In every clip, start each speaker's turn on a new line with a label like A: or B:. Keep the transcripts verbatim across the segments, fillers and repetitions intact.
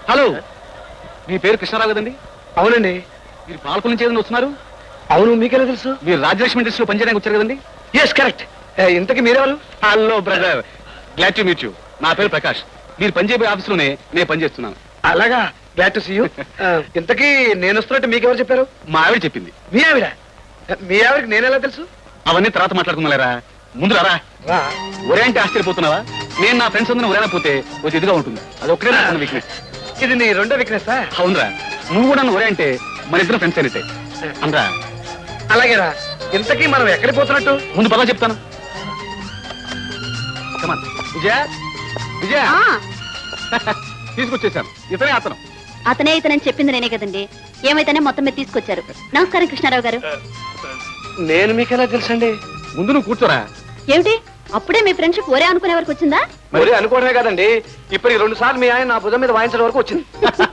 A: Hello, మీ పేరు కృష్ణారావు కదండి?
B: అవునండి.
A: మీరు పాలకుల నుంచి ఏదైనా వస్తున్నారు?
B: అవును, మీకెలా తెలుసు?
A: మీరు రాజలక్ష్మి ఇండస్ట్రీలో పనిచేయడానికి వచ్చారు కదండి?
B: Yes, correct. ఇంతకీ మీరెవరు?
A: Hello brother, glad to meet you. నా పేరు ప్రకాష్. మీరు పనిచేయబోయే ఆఫీసులోనే నేను పనిచేస్తున్నాను.
B: అలాగా, గ్లాడ్ టు సీ యూ. ఇంతకీ నేను వస్తున్నట్టు మీకెవరు చెప్పారు?
A: మా ఆవిడ చెప్పింది.
B: మీ ఆవిడ? మీ ఆవిడకి నేను ఎలా తెలుసు?
A: అవన్నీ తర్వాత మాట్లాడుకున్నారా, ముందు రారా. ఒరే అంటే ఆశ్చర్యపోతున్నావా? నేను నా ఫ్రెండ్స్ అందరూ ఒరేనా పోతే కొంచెం ఇదిగా ఉంటుంది. అది ఒక్కడే నా వీక్నెస్.
B: ఇది నీ రెండో వీక్నెస్?
A: అవునరా, నువ్వు కూడా నన్ను ఒరే అంటే మన ఇద్దరు ఫ్రెండ్స్ అయితే అనరా.
B: అలాగేరా. ఇంతకీ మనం ఎక్కడికి పోతున్నట్టు?
A: ముందు పదా చెప్తాను. విజయ, విజయ తీసుకొచ్చేసాను. ఇతనే అతను.
C: అతనే ఇతనని చెప్పింది నేనే కదండి. ఏమైతేనే మొత్తం మీద తీసుకొచ్చారు. నమస్కారం కృష్ణారావు గారు.
B: నేను మీకెలా తెలుసండి?
A: ముందు నువ్వు కూర్చోరా.
C: ఏమిటి అప్పుడే మీ ఫ్రెండ్షిప్ ఒరే అనుకునే వరకు వచ్చిందా?
B: మరి అనుకోవడమే కదండి, ఇప్పుడు రెండు సార్లు మీ ఆయన నా భుజం మీద వాయించడం వరకు వచ్చింది.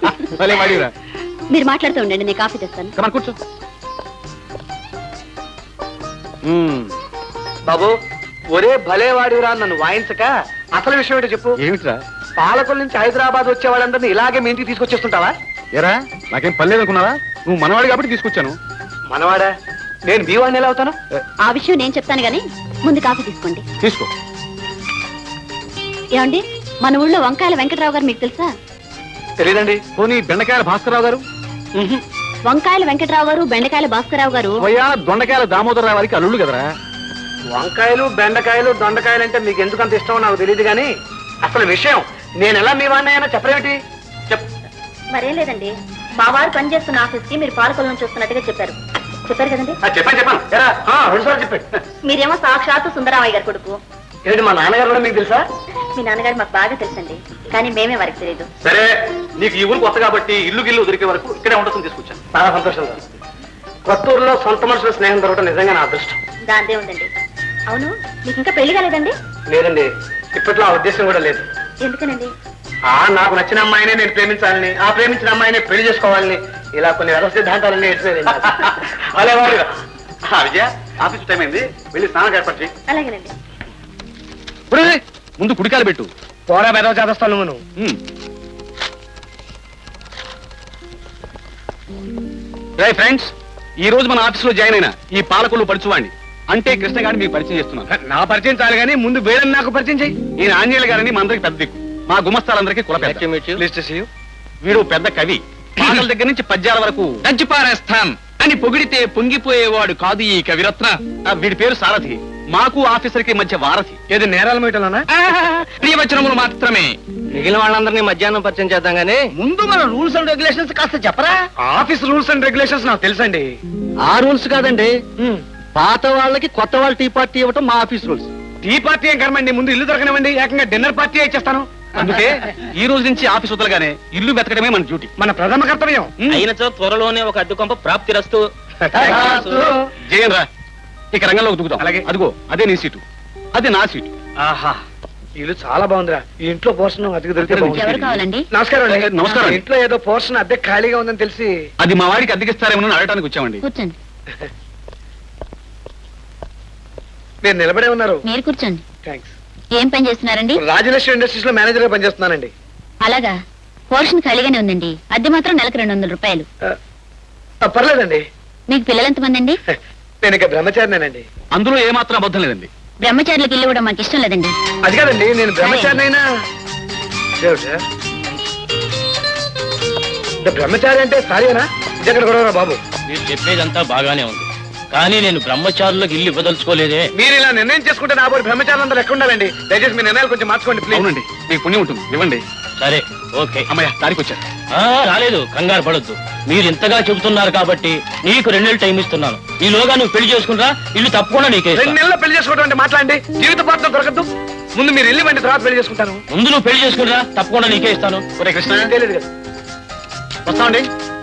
C: మీరు మాట్లాడుతూ ఉండండి, నేను కాఫీ తెస్తాను.
A: కమా కూర్చో.
B: బాబు, ఒరే భలే వాడిరా నన్ను వాయించక అసలు విషయం ఏంటో చెప్పు.
A: ఏమిట్రా?
B: పాలకుల నుంచి హైదరాబాద్ వచ్చే వాళ్ళందరినీ ఇలాగే మీ ఇంటికి తీసుకొచ్చేస్తుంటావా?
A: ఎరా, నాకేం పర్లేదు అనుకున్నావా? నువ్వు మనవాడి కాబట్టి తీసుకొచ్చాను.
B: మనవాడా? నేను మీ వాడిని ఎలా అవుతాను?
C: ఆ విషయం నేను చెప్తాను గానీ ముందు కాఫీ తీసుకోండి.
A: తీసుకో.
C: ఏమండి, మన ఊళ్ళో వంకాయల వెంకటరావు గారు మీకు తెలుసా?
B: తెలీదండి.
A: పోనీ బెండకాయల భాస్కరరావు గారు?
C: వంకాయల వెంకటరావు గారు, బెండకాయల భాస్కరరావు గారు
A: దొండకాయల దామోదరరావు వారికి అల్లుళ్ళు కదరా.
B: వంకాయలు, బెండకాయలు, దొండకాయలు అంటే మీకు ఎందుకు అంత ఇష్టమో నాకు తెలియదు కానీ అసలు విషయం నేను ఎలా మీ వాడిని అయినా చెప్పరేమిటి? చెప్.
C: మరేం లేదండి, మా వారు పనిచేస్తున్న ఆఫీస్ కి మీరు పాలకుల నుంచి వస్తున్నట్టుగా చెప్పారు. చెప్పారు కదండి?
B: చెప్పాను చెప్పాను రెండు సార్లు చెప్పాడు.
C: మీరేమో సాక్షాత్తు సుందరరామయ్య గారి కొడుకు.
B: ఏంటి, మా నాన్నగారు కూడా మీకు తెలుసా?
C: మీ నాన్నగారు మాకు బాగా తెలుసండి, కానీ మేమే వారికి తెలియదు.
B: సరే, నీకు ఈ ఊరు కొత్త కాబట్టి ఇల్లు గిల్లు దొరికే వరకు ఇక్కడే ఉండటం తీసుకొచ్చాను. చాలా సంతోషంగా. కొత్త ఊర్లో సొంత మనుషుల స్నేహం దొరకడం నిజంగా నా అదృష్టం.
C: దాందే ఉందండి. అవును, మీకు ఇంకా పెళ్లి కాలేదండి?
B: లేదండి, ఇప్పట్లో ఆ ఉద్దేశం కూడా లేదు.
C: ఎందుకనండి?
B: ఆ నాకు నచ్చిన అమ్మాయినే నేను ప్రేమించాలని, ఆ ప్రేమించిన అమ్మాయినే పెళ్లి చేసుకోవాలని, ఇలా కొన్ని వ్యవస్థ సిద్ధాంతాలన్నీ ఎడిపోయాయి. అలే వాడు. విజయ, ఆఫీస్ టైం అయింది, వెళ్ళి స్నానం ఏర్పాటు చేయి.
C: అలాగేనండి.
A: ముందు కుడికాలు పెట్టు.
B: పోరా బెదవ చేస్తాను నువ్వు.
A: రై ఫ్రెండ్స్, ఈ రోజు మన ఆఫీస్ లో జాయిన్ అయిన ఈ పాలకులు పడుచువాడిని అంటే కృష్ణ గారిని మీకు పరిచయం చేస్తున్నాను.
B: నా పరిచయం చాలు కానీ ముందు వేరే నాకు పరిచయం చేయి.
A: ఈయన ఆంజనేయుల గారిని మా అందరికి పెద్ద దిక్కు, మా గుమస్తాలందరికీ కుల పెద్ద. వీడు పెద్ద కవి. పాటల దగ్గర నుంచి పద్యాల వరకు
D: దంచిపారేస్తాం అని పొగిడితే పొంగిపోయేవాడు కాదు ఈ కవిరత్న.
A: వీడి పేరు సారథి, మాకు ఆఫీసర్ కి మధ్య వారధి.
B: ఏది నేరాల మీటలోనా?
D: ప్రియవచనములు మాత్రమే.
B: మిగిలిన వాళ్ళందరినీ మధ్యాహ్నం పరిచయం చేద్దాం గానీ ముందు మన రూల్స్ అండ్ రెగ్యులేషన్స్ కాస్త చెప్పరా? ఆఫీస్ రూల్స్ అండ్ రెగ్యులేషన్స్ నాకు తెలుసండి.
A: ఆ రూల్స్ కాదండి, పాత వాళ్ళకి కొత్త వాళ్ళ టీ పార్టీ ఇవ్వటం మా ఆఫీస్ రూల్స్.
B: టీ పార్టీ ఏం కర్మండి, ముందు ఇల్లు దొరకనివ్వండి, ఏకంగా డిన్నర్ పార్టీ ఇచ్చేస్తాను.
A: అందుకే ఈ రోజు నుంచి ఆఫీస్ వదలగానే ఇల్లు వెతకడమే మన డ్యూటీ,
B: మన ప్రథమ కర్తవ్యం.
D: అయినచో త్వరలోనే ఒక అడ్డుకొంప ప్రాప్తి రస్తు.
A: జయం రా, ఇక రంగంలోకి దిగుదాం. అలాగే, అదిగో అదే నీ సీటు, అది నా సీటు.
B: ఆహా, ఇల్లు చాలా బాగుందిరా. ఈ ఇంట్లో పోర్షన్ అద్దెకి దొరికితే
C: ఎవరు కావాలండి?
B: నమస్కారం అండి.
A: నమస్కారం.
B: ఇంట్లో ఏదో పోర్షన్ అద్దె ఖాళీగా ఉందని తెలిసి
A: అది మా వాడికి అద్దెకిస్తారేమో అడగడానికి వచ్చామండి.
C: కూర్చోండి.
B: మీరు నిలబడే ఉన్నారు.
C: మీరు కూర్చోండి.
B: థ్యాంక్స్.
C: ఏం పని చేస్తున్నారండి?
B: రాజలక్ష్మి ఇండస్ట్రీస్ లో మేనేజర్ గా పనిచేస్తున్నానండి.
C: అలాగా, పోర్షన్ ఖాళీగానే ఉందండి. అద్దె మాత్రం నెలకు రెండు వందల రూపాయలు.
B: పర్లేదండి.
C: మీకు పిల్లలు ఎంతమంది అండి?
B: నేను ఇక బ్రహ్మచారినేనండి.
A: అందులో ఏమాత్రం అబద్ధం లేదండి.
C: బ్రహ్మచారులకు ఇల్లు ఇవ్వడం మాకు ఇష్టం లేదండి.
B: అది కాదండి, నేను బ్రహ్మచారినైనా. బ్రహ్మచారి అంటే సారీనా? ఇదెక్కడ గొడవరా బాబు?
D: మీరు చెప్పేదంతా బాగానే ఉంది, కానీ నేను బ్రహ్మచారులకు ఇల్లు ఇవ్వదలుచుకోలేదే.
B: మీరు ఇలా నిర్ణయం చేసుకుంటే నా పోయి బ్రహ్మచారులందరూ ఎక్కడ ఉండాలండి? దయచేసి మీ నిర్ణయాలు కొంచెం మార్చుకోండి ప్లీజ్.
A: అవునండి, మీకు పుణ్యం ఉంటుంది, ఇవ్వండి.
D: సరే, ఓకే.
A: అమ్మయ్య, దారికి వచ్చారు.
D: రాలేదు, కంగారు పడొద్దు. మీరు ఇంతగా చెబుతున్నారు కాబట్టి నీకు రెండు నెలలు టైం ఇస్తున్నాను. ఈలోగా నువ్వు పెళ్లి చేసుకుంటా, ఇల్లు తప్పకుండా నీకే.
B: రెండు నెలల్లో పెళ్లి చేసుకోవడం అంటే మాట్లాడండి, జీవిత పాత్ర దొరకద్దు. ముందు మీరు ఇల్లు వెంట తర్వాత పెళ్లి చేసుకుంటాను.
D: ముందు నువ్వు పెళ్లి చేసుకుంటా, తప్పకుండా నీకే ఇస్తాను.
A: ఒరే కృష్ణ,
B: తెలియదు కదా.
A: వస్తామండి.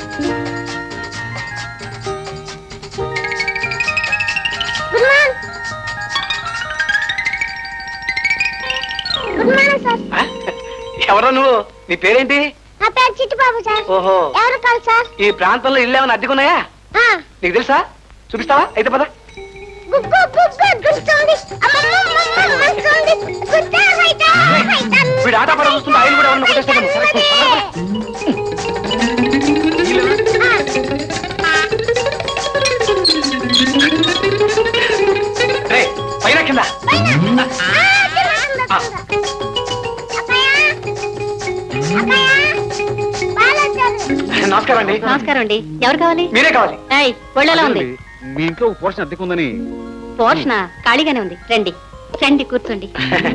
B: ఎవరో నువ్వు? నీ పేరేంటి?
E: నా పేరు చిట్టుబాబు సార్.
B: ఓహో,
E: ఎవరు కాదు సార్?
B: ఈ ప్రాంతంలో ఇల్లు ఏమైనా అద్దెకున్నాయా? నీకు తెలుసా? చూపిస్తావా? అయితే పద. వీడు ఆట పడ చూస్తుంటే ఆయన కూడా ఎవరన్నా కొట్టేస్తాను. నమస్కారం అండి
C: నమస్కారం అండి. ఎవరు కావాలి?
B: మీరే కావాలి.
C: ఏయ్, ఒళ్ళు ఎలా ఉంది?
A: అదేనండి, మీ ఇంట్లో ఒక పోర్షన్ అద్దెకుందని.
C: పోషణ ఖాళీగానే ఉంది. రండి రండి కూర్చోండి.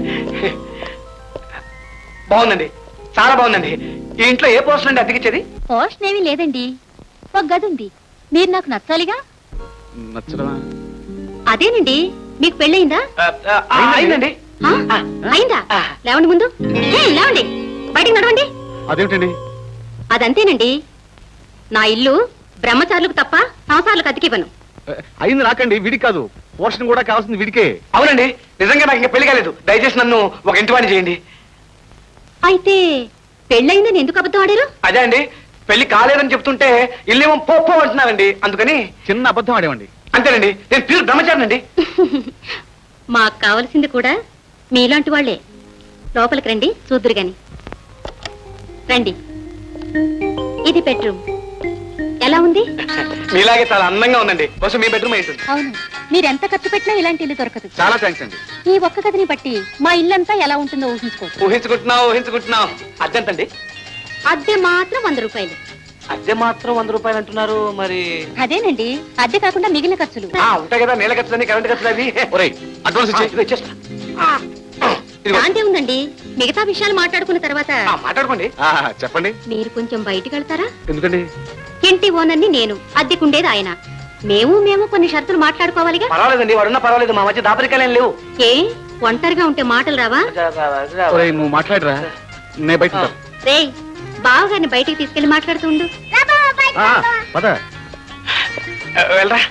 B: బాగుందండి, చాలా బాగుందండి. ఈ ఇంట్లో ఏ పోర్షన్ అండి అద్దెకిచ్చేది?
C: పోషణ ఏమీ లేదండి, ఒక గది ఉంది. మీరు నాకు నచ్చాలిగా.
A: నచ్చడమా?
C: అదేనండి, మీకు పెళ్ళయిందా?
B: ఆ, ఆ, అయిందండి.
C: ఆ? అయిందా?
B: ఆ.
C: లేవండి ముందు. ఏయ్, లేవండి, బయటికి నడవండి.
A: అదేమిటండి?
C: అదంతేనండి, నా ఇల్లు బ్రహ్మచారులకు తప్ప సంసారాలకు అతికివ్వను.
A: అయింది నాకండి, వీడికి కాదు. పోర్షన్ కూడా కావాల్సింది వీడికే.
B: అవునండి, నిజంగా నాకు ఇంకా పెళ్లి కాలేదు. దయచేసి నన్ను ఒక ఇంటి వాడిని చేయండి.
C: అయితే పెళ్ళయిందని ఎందుకు అబద్ధం ఆడారు?
B: అదే అండి, పెళ్లి కాలేదని చెప్తుంటే ఇల్లేమో పో పో అంటున్నానండి, అందుకని.
A: చిన్న అబద్ధం ఆడేవండి.
B: అంతేనండి, నేను ప్యూర్ బ్రహ్మచారినండి.
C: మాకు కావలసింది కూడా మీలాంటి వాళ్లే. లోపలికి రండి, చూద్దురు గాని. రండి, ఇది బెడ్రూమ్. ఎలా ఉంది?
B: మీలాగే చాలా అందంగా ఉందండి. బస్సు మీ బెడ్రూమ్ ఏంటుంది.
C: అవును, మీరెంత ఖర్చు పెట్టినా ఇలాంటి ఇల్లు దొరకదు.
A: చాలా థ్యాంక్స్ అండి.
C: ఈ ఒక్క గదిని బట్టి మా ఇల్లంతా ఎలా ఉంటుందో ఊహించుకోవచ్చు.
B: ఊహించుకుంటున్నావు ఊహించుకుంటున్నావు అద్దెంతండి?
C: అద్దె మాత్రం వంద రూపాయలు.
B: అద్దె మాత్రం వంద రూపాయలు అంటున్నారు, మరి
C: అదేనండి, అద్దె కాకుండా మిగిలిన ఖర్చులు.
B: ఆ, ఉంటాయి కదా, నీళ్ళ ఖర్చులని కరెంట్ ఖర్చులు అవి.
A: ఒరేయ్, అడ్వాన్స్
B: ఆ,
A: ఇచ్చి.
B: ఇదిగో ఇచ్చేస్తా. ఇదిగో.
C: దాంతే ఉందండి, మిగతా విషయాలు మాట్లాడుకున్న తర్వాత
B: ఆ, మాట్లాడుకోండి.
A: ఆహా, చెప్పండి.
C: మీరు కొంచెం బయటికి వెళ్తారా?
A: ఎందుకండి?
C: ఇంటి ఓనర్ని నేను, అద్దెకుండేది ఆయన. మేము మేము కొన్ని షరతులు మాట్లాడుకోవాలిగా.
B: పర్వాలేదండి, వాడున్నా పర్వాలేదు, మా మధ్య దాపరికాలేం లేవు.
C: ఏ ఒంటరిగా ఉంటే మాటలు రావా?
A: ఒరేయ్, నువ్వు మాట్లాడరా, నేను బయట ఉంటాను.
C: రేయ్, బావగారిని బయటికి తీసుకెళ్లి మాట్లాడుతూ ఉండు.
A: ఆ, పద.
B: వెళ్ళరా.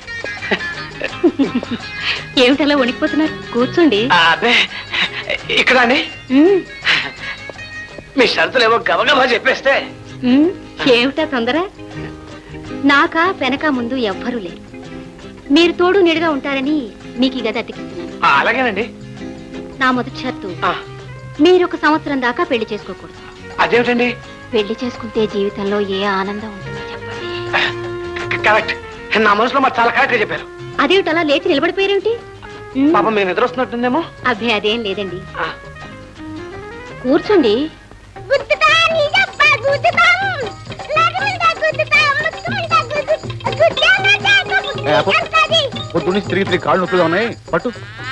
C: ఏమిటలా వణికిపోతున్నారు? కూర్చోండి.
B: ఆ, అదే ఇక్కడ అండి,
C: ఉమ్,
B: మీ షరతులు ఏమో గబగబా చెప్పేస్తే.
C: ఉమ్, ఏమిటా తొందర? నాకా వెనక ముందు ఎవ్వరూ లేరు. మీరు తోడు నీడుగా ఉంటారని మీకు ఈ గది అతికిస్తున్నాను.
B: ఆ, అలాగేనండి.
C: నా మొదటి షరతు,
B: ఆ,
C: మీరు ఒక సంవత్సరం దాకా పెళ్లి చేసుకోకూడదు.
B: అదేమిటండి?
C: పెళ్లి చేసుకుంటే జీవితంలో ఏ ఆనందం ఉంటుందో చెప్పండి.
B: కరెక్ట్, నా మనసులో మరి చాలా కరెక్ట్ గా చెప్పారు.
C: అదేమిటలా లేచి నిలబడిపోయారేమిటి? ఉమ్,
B: పాపం మీరు నిద్ర వస్తున్నట్టుందేమో.
C: అబ్బే అదేం లేదండి,
B: ఆ,
C: కూర్చోండి.
E: గుద్దుతా నీ దెబ్బ గుద్దుతాం లగములుగా గుద్దుతాం ముక్కుములుగా గుద్దు గుద్దామంటే
A: ఏ, అప్పు.
E: గుద్దుతాది.
A: పొద్దు నుంచి తిరిగి తిరిగి కాళ్ళు నొప్పిగా ఉన్నాయి, పట్టు.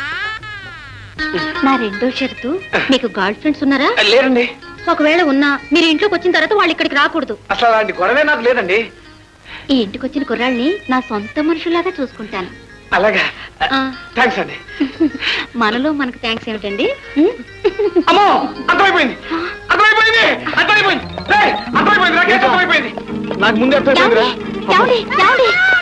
C: నా రెండో షరతు, మీకు గర్ల్ ఫ్రెండ్స్ ఉన్నారా?
B: లేరండి.
C: ఒకవేళ ఉన్నా మీరు ఇంట్లోకి వచ్చిన తర్వాత వాళ్ళు ఇక్కడికి రాకూడదు.
B: అసలు అలాంటి గొడవే నాకు లేదండి.
C: ఈ ఇంటికి వచ్చిన కుర్రాళ్ళని నా సొంత మనుషులాగా చూసుకుంటాను.
B: అలాగా,
C: ఆ,
B: థ్యాంక్స్ అండి.
C: మనలో మనకు థ్యాంక్స్ ఏమిటండి? ఉమ్,
B: అమ్మో, అర్థమైపోయింది అర్థమైపోయింది అర్థమైపోయింది రేయ్, అర్థమైపోయింది నాకేం అర్థమైపోయింది.
A: నాకు ముందే అర్థమైపోయిందిరా.
C: ఏమండి? ఏమండి? ఏమండి?